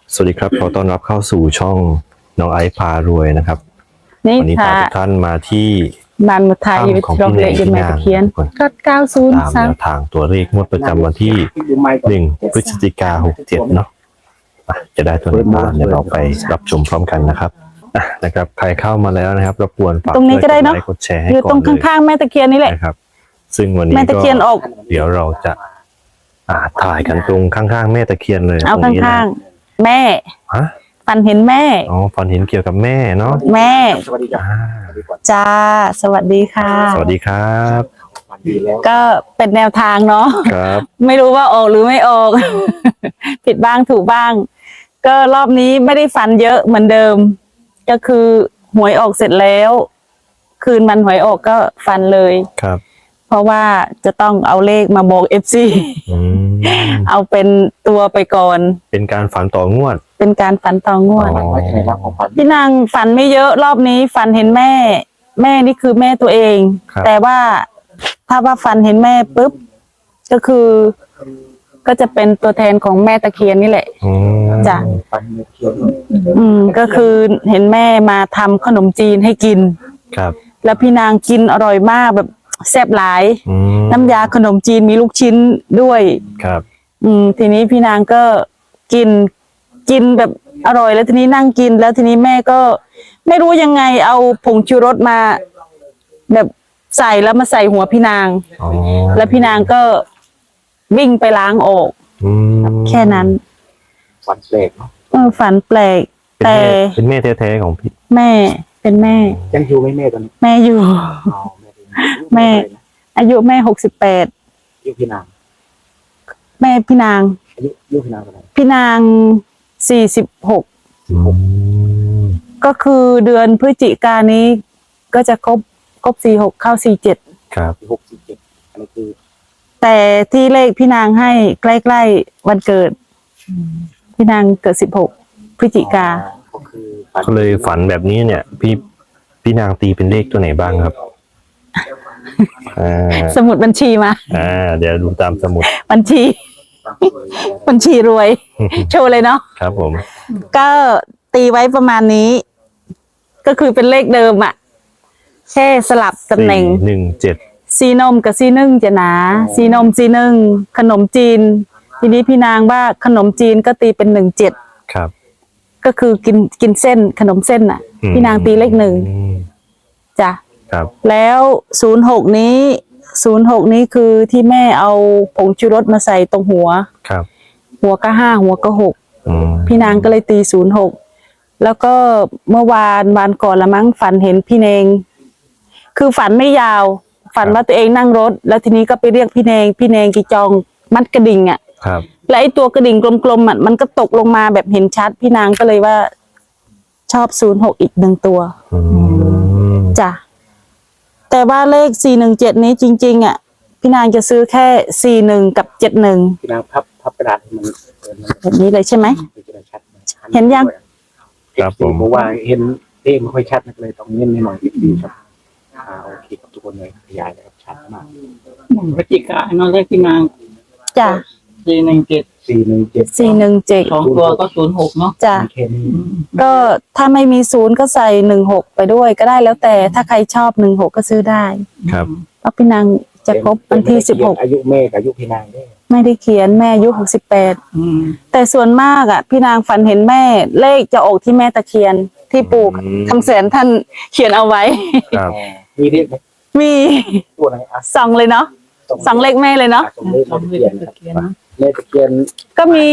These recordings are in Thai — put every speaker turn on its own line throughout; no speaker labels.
สวัสดีครับขอต้อนรับเข้าสู่ช่องน้องไอซ์พารวยนะครับวันนี้พาทุกท่านมาที่
บ้านมุทายอยู่ตรงเลขยมแม่ตะเคียนก็90
ตามแนวทางตัวเลขงวดประจำวันที่1 พฤศจิกายน 67เนาะจะได้ตัวไหนบ้างเดี๋ยวเราไปรับชมพร้อมกันนะครับนะครับใครเข้ามาแล้วนะครับรบกวนฝากกดไลค์กดแชร์ให้ก่อนเลย
อยู่ตรงข้างๆแม่ตะเคียนนี่แหละ
นะครับซึ่งวันนี้
แม่ตะเคียนออก
เดี๋ยวเราจะถ่ายกันตรงข้างๆแม่ตะเคียนเลย
เอาข้างๆแม่ฝันเห็นแม่
อ๋อฝันเห็นเกี่ยวกับแม่เนาะ
แม่
สวัสดีจ้า
จ้าสวัสดีค่ะ
สวัสดีครับ
ก็เป็นแนวทางเนาะ
ครับ
ไม่รู้ว่าออกหรือไม่ออก ผิดบ้างถูกบ้างก็รอบนี้ไม่ได้ฝันเยอะเหมือนเดิมก็คือหวยออกเสร็จแล้วคืนมันหวยออกก็ฝันเลย
ครับ
เพราะว่าจะต้องเอาเลขมาบอกFC เอาเป็นตัวไปก่อน
เป็นการฝันต่องวด
เป็นการฝันต่องวดพี่นางฝันไม่เยอะรอบนี้ฝันเห็นแม่นี่คือแม่ตัวเองแต่ว่าถ้าว่าฝันเห็นแม่ปุ๊บก็คือก็จะเป็นตัวแทนของแม่ตะเคียนนี่แหละจ้ะก็คือเห็นแม่มาทำขนมจีนให้กิน
ครับ
แล้วพี่นางกินอร่อยมากแบบแซ่บหลายน้ำยาขนมจีนมีลูกชิ้นด้วย
ครับ
ทีนี้พี่นางก็กินแบบอร่อยแล้วทีนี้นั่งกินแล้วทีนี้แม่ก็ไม่รู้ยังไงเอาผงชูรสมาแบบใส่แล้วมาใส่หัวพี่นางแล้วพี่นางก็วิ่งไปล้างออกแค่นั้น
ฝันแปลกเนาะ
ฝันแปลกแต่
เป็นแม่แท้ๆของพี่
แม่เป็นแม่
ยังอยู่ไหมแม่ตอนนี้
แม่อยู่แม่อายุแม่68
อายุพี่นาง
แม่พี่นาง
อายุพี่นางเท่าไหร่
พี่นาง46ก็คือเดือนพฤศจิกายนนี้ก็จะครบ46เข้า47
ครับ
47อันนี้คือ
แต่ที่เลขพี่นางให้ใกล้ๆวันเกิดพี่นางเกิด16พฤศจิกา
ก็เลยฝันแบบนี้เนี่ยพี่นางตีเป็นเลขตัวไหนบ้างครับ
สมุดบัญชีมา
เดี๋ยวดูตามสมุด
บัญชีรวยโชว์เลยเนาะ
ครับผม
ก็ตีไว้ประมาณนี้ก็คือเป็นเลขเดิมอ่ะแค่สลับตำแหน่ง
17
ซีนมกับซีนึ่งจะหนาซีนมซีนึ่งขนมจีนทีนี้พี่นางว่าขนมจีนก็ตีเป็น17
ครับ
ก็คือกินเส้นขนมเส้นอ่ะพี่นางตีเลข1จ้ะแล้ว06นี้คือที่แม่เอาผงชูรสมาใส่ตรงหัวหัวก็5หัวก็6พี่นางก็เลยตี06แล้วก็เมื่อวานก่อนละมั้งฝันเห็นพี่เนงคือฝันไม่ยาวฝันว่าตัวเองนั่งรถแล้วทีนี้ก็ไปเรียกพี่เนงกีจองมัดกระดิ่งอ่ะและไอ้ตัวกระดิ่งกลมๆอ่ะมันก็ตกลงมาแบบเห็นชัดพี่นางก็เลยว่าชอบ06อีก1ตัวจ้ะแต่ว่าเลข417นี้จริงๆอ่ะพี่นางจะซื้อแค่41กับ71
พี่นางพับกระดาษมัน
แบบนี้เลยใช่ไหมเห็นยัง
ครับผม
เพราะว่าเห็นเลขไม่ค่อยชัดนักเลยต้องเน้นให้หน่อยดีครับโอเคครับทุกคนเลยขยายนะครับชัดมาก
พฤศจิกายนเลขพี่นาง
จ้ะ
417
2ตัวก็06เนาะ
จ้ะก็ถ้าไม่มี0ก็ใส่16ไปด้วยก็ได้แล้วแต่ถ้าใครชอบ16ก็ซื้อได้
ครับ
เพราะพี่นางจะครบวันที่16
อายุแม่กับอายุพี่นาง
ไม่ได้เขียนแม่อายุ68แต่ส่วนมากอ่ะพี่นางฝันเห็นแม่เลขจะออกที่แม่ตะเคียนที่ปู่คำแสนท่านเขียนเอาไว้
มีเลขไหม
มี
ตัวไหน
ส่องเลยเนาะส่องเลขแม่เลยเนาะ
เลขตะเคียน
ก็มี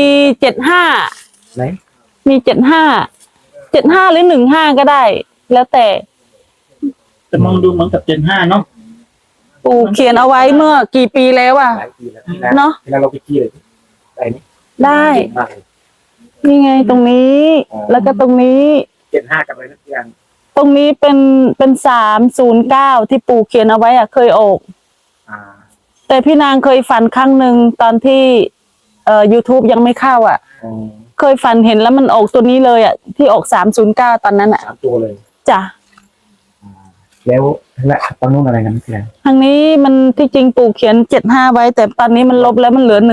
75
ไหน
มี75หรือ15ก็ได้แล้วแต่
มองดูเหมือนกับ75เนาะ
ปู่เขียนเอาไว้เมื่อกี่ปีแล้วอ่ะเนาะ
เราไปขี้เลย
ได้นี่ไงตรงนี้แล้วก็ตรงนี้
75กับอะไรนะอย่าง
ตรงนี้เป็น309ที่ปู่เขียนเอาไว้อ่ะเคยออกแต่พี่นางเคยฝันครั้งหนึ่งตอนที่YouTube ยังไม่เข้าอ่ะเคยฝันเห็นแล้วมันออกตัวนี้เลยอ่ะที่ออก309ตอนนั้นอ่ะ
3ตัวเลย
จ้ะ
แล้วตรงนู้นอะไรกันพี่นาง
ทางนี้มันที่จริงปู่เขียน75ไว้ แต่ตอนนี้มันลบแล้วมันเหลือ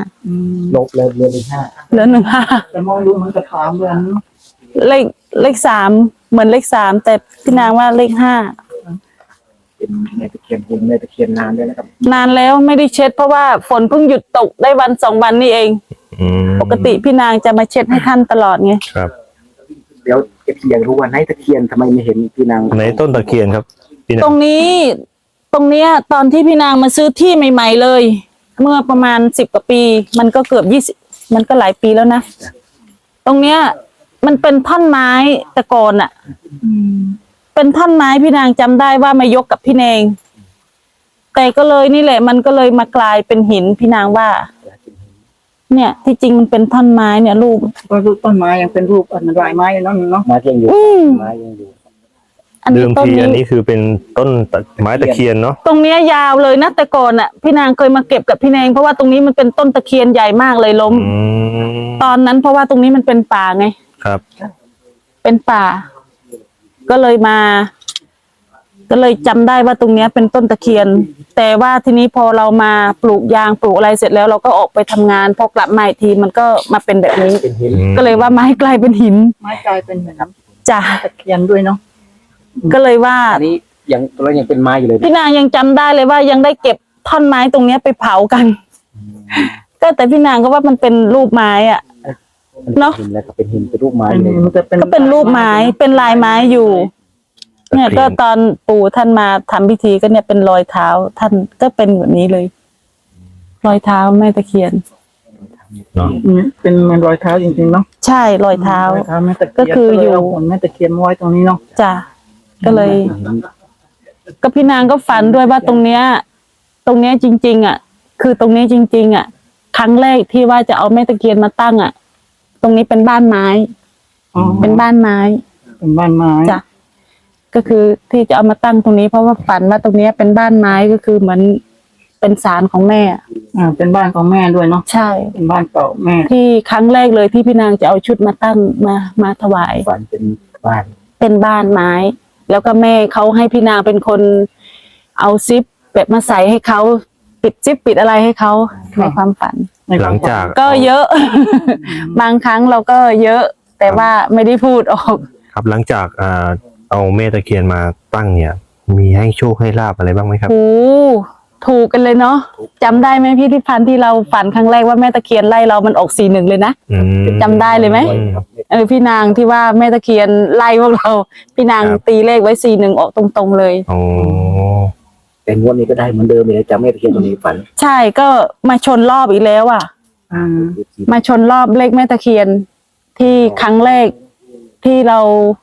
15
ลบเลยเรือเลยห้า
เหลือ15
แต่มองดูเหมือนกับ3 เดือนเนอะ
เลข3เหมือนเลข3แต่พี่นางว่าเลข5
เป็นแม่ตะเคียนหุ่นแม่ตะเคียนนานด้วยนะครับ
นานแล้วไม่ได้เช็ดเพราะว่าฝนเพิ่งหยุดตกได้วัน2 วันนี่เอง ปกติพี่นางจะมาเช็ดให้ท่านตลอดไง
ครับ
เดี๋ยวเอฟซีอยากรู้ว่าในตะเคียนทำไมไม่เห็นพี่นาง
ในต้นตะเคียนครับพี่
ต
นา
รง งนี้ตรงเนี้ยตอนที่พี่นางมาซื้อที่ใหม่ๆเลย เมื่อประมาณ10 กว่าปี มันก็เกือบ20มันก็หลายปีแล้วนะตรงเนี้ยมันเป็นท่อนไม้แต่ก่อนอะเป็นท่อนไม้พี่นางจำได้ว่ามายกกับพี่เนงแต่ก็เลยนี่แหละ มันก็เลยมากลายเป็นหินพี่นางว่า เนี่ยที่จริงมันเป็นท่อนไม้เนี่ยรูป
ก็รูปต้นไม้ยังเป็นรูปอันลายไม้อยู่เนาะ
ไม้ยังอยู่ไม้ยังอยู่
อัน
เดิ
นี้
ม
ต้น
ทีอัน
นี้
นี้คือเป็นต้นไม้ตะเคียนเนาะ
ตรงเนี้ยยาวเลยนะแต่ก่อนอ่ะพี่นางเคยมาเก็บกับพี่เนงเพราะว่าตรงนี้มันเป็นต้นตะเคียนใหญ่มากเลยล้ม ตอนนั้นเพราะว่าตรงนี้มันเป็นป่าไง
ครับ
เป็นป่า ก็เลยมา ก็เลยจำได้ว่าตรงเนี้ยเป็นต้นตะเคียน แต่ว่าทีนี้พอเรามาปลูกยางปลูกอะไรเสร็จแล้วเราก็ออกไปทำงานพอกลับมาอีกทีมันก็มาเป็นแบบนี้
เป็นหิน
ก็เลยว่าไม้กลายเป็นหิน
ไม้กลายเป็นแบบ
จ้ะ
ตะเคียนด้วยเนาะ
ก็เลยว่า
อันนี้ยังตัวเรายังเป็นไม้อยู่เลย
พี่นางยังจำได้เลยว่ายังได้เก็บท่อนไม้ตรงเนี้ยไปเผากัน ก็แต่พี่นางก็ว่ามันเป็นรูปไม้อ่ะ เนอะ
หินแล้วก็เป็นหินเป็นรูปไม้
เป็น
เลย
มันจะเป็น
ก็เป็นรูปไม้เป็นลายไม้อยู่ เนี่ยก็ตอนปู่ท่านมาทำพิธีก็เนี่ยเป็นรอยเท้าท่านก็เป็นแบบนี้เลย รอยเท้าแม่ตะเคียน
เนาะ
เป็นเหมือนรอยเท้าจริงๆเนาะ
ใช่รอยเท้า
รอยเท้าแม่ตะเคียน
ก็คืออยู่
เลเาหุ่นแม่ตะเคียนมาไว้ตรงนี้เนาะ
จ้ะก็เลย ก็พี่นางก็ฝันด้วยว่าตรงเนี้ยจริงๆอ่ะ คือตรงนี้จริงๆอ่ะ ครั้งแรกที่ว่าจะเอาแม่ตะเคียนมาตั้งอ่ะ ตรงนี้เป็นบ้านไม้
อ๋อ
เป็นบ้านไม้
เป็นบ้านไม้
จ้ะก็คือที่จะเอามาตั้งตรงนี้เพราะว่าฝันว่าตรงเนี้ยเป็นบ้านไม้ก็คือเหมือนเป็นศาลของแม่
เป็นบ้านของแม่ด้วยเนาะ
ใช่
เป็นบ้านเก่าแม่
ที่ครั้งแรกเลยที่พี่นางจะเอาชุดมาตั้งมาถวาย
ฝันเป็นบ้าน
เป็นบ้านไม้ แล้วก็แม่เขาให้พี่นางเป็นคนเอาซิปแบบมาใส่ให้เขาปิดซิปปิดอะไรให้เขาในความฝัน
หลังจาก
ก็เยอะ บางครั้งเราก็เยอะ แต่ว่าไม่ได้พูดออก
ครับหลังจากเอาแม่ตะเคียนมาตั้งเนี่ย มีให้โชคให้ลาบอะไรบ้างไหมครับ
โอ้ถูกกันเลยเนาะจำได้ไหมพี่ที่พันที่เราฝันครั้งแรกว่าแม่ตะเคียนไล่เรามันออก41เลยนะ
อืม
จำได้เลยไหม
ครับ
พี่นางที่ว่าแม่ตะเคียนไล่พวกเรา พี่นาง
ครับ
ตีเลขไว้41ออกตรงๆเลย
โอ้
แต่งวดนี้ก็ได้เหมือนเดิมเลยจำแม่ตะเคียนตัวนี้ฝัน
ใช่ก็มาชนรอบอีกแล้วอ่ะ มาชนรอบเลขแม่ตะเคียนที่ครั้งแรกที่เรา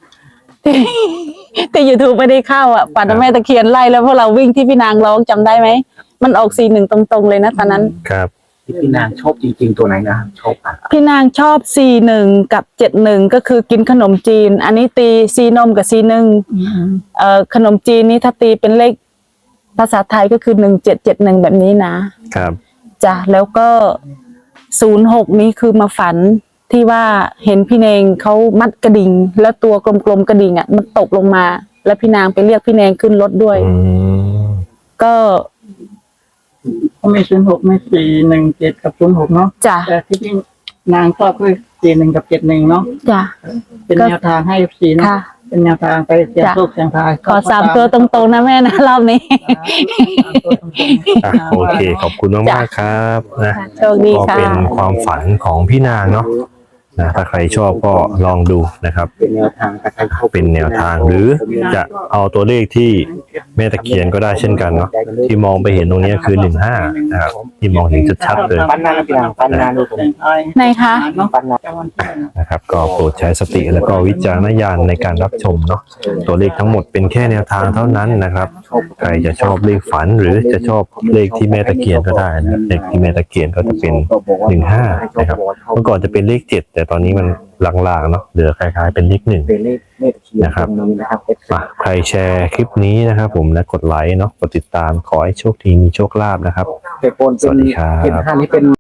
ที่YouTubeไม่ได้เข้าอ่ะฝันว่าแม่ตะเคียนไล่แล้วพวกเราวิ่งที่พี่นางร้องจำได้ไหมมันออก41ตรงๆเลยนะตอนนั้น
ครับ
ที่พี่นางชอบจริงๆตัวไหนนะชอบอ่ะ
พี่นางชอบ41กับ71ก็คือกินขนมจีน อันนี้ตีซีนมกับ41ขนมจีนนี่ถ้าตีเป็นเลขภาษาไทยก็คือ1771แบบนี้นะครับ จ้ะแล้วก็06นี้คือมาฝันที่ว่าเห็นพี่เนงเขามัดกระดิ่งแล้วตัวกลมๆกระดิ่งอ่ะมันตกลงมา แล้วพี่นางไปเรียกพี่เนงขึ้นรถด้วย
อืม
ก็
ก็มี06มี417กับ06เนาะ
จ้ะ
แต่ที่พี่นางชอบคือ41กับ71เนาะ
จ้ะ
เป็นแนวทางให้ FC เนาะ
ค่ะ
เป็นแนวทางไปเสี่ยงโชคเสี่ยงทาย
ขอ3ตัวตรงๆนะแม่นะรอบนี้
อ่ะโอเค ขอบคุณมากๆครับนะ
โชคดี
ก็
ค่ะ
เป็นความฝันของพี่นางเนาะนะถ้าใครชอบก็ลองดูนะครับ
เป็นแนวทางการใช้เข้า
เป็นแนวทางหรือจะเอาตัวเลขที่แม่ตะเคียนก็ได้เช่นกันเนาะที่มองไปเห็นตรงนี้คือ15นะครับที่มองเห็นชัดๆเลย
ปันนานนะพี่นางปันนานดูผม
ไหนคะ
ปันนาน
นะครับก็โปรดใช้สติแล้วก็วิจารณญาณในการรับชมเนาะตัวเลขทั้งหมดเป็นแค่แนวทางเท่านั้นนะครับใครจะชอบเลขฝันหรือจะชอบเลขที่แม่ตะเคียนก็ได้นะเลขที่แม่ตะเคียนก็จะเป็น15นะครับเมื่อก่อนจะเป็นเลข7แต่ตอนนี้มันลางๆเนาะเหลือคล้ายๆเป็นเลข1
เป็นเลขแม่ตะเคียน
นะครับ
ตรงนี้นะครับ
ใครแชร์คลิปนี้นะครับผมและกดไลค์เนาะกดติดตามขอให้โชคดีมีโชคลาภนะครับ
แต่โปน
สวัสดีครับ
เป็นห้านี้เป็น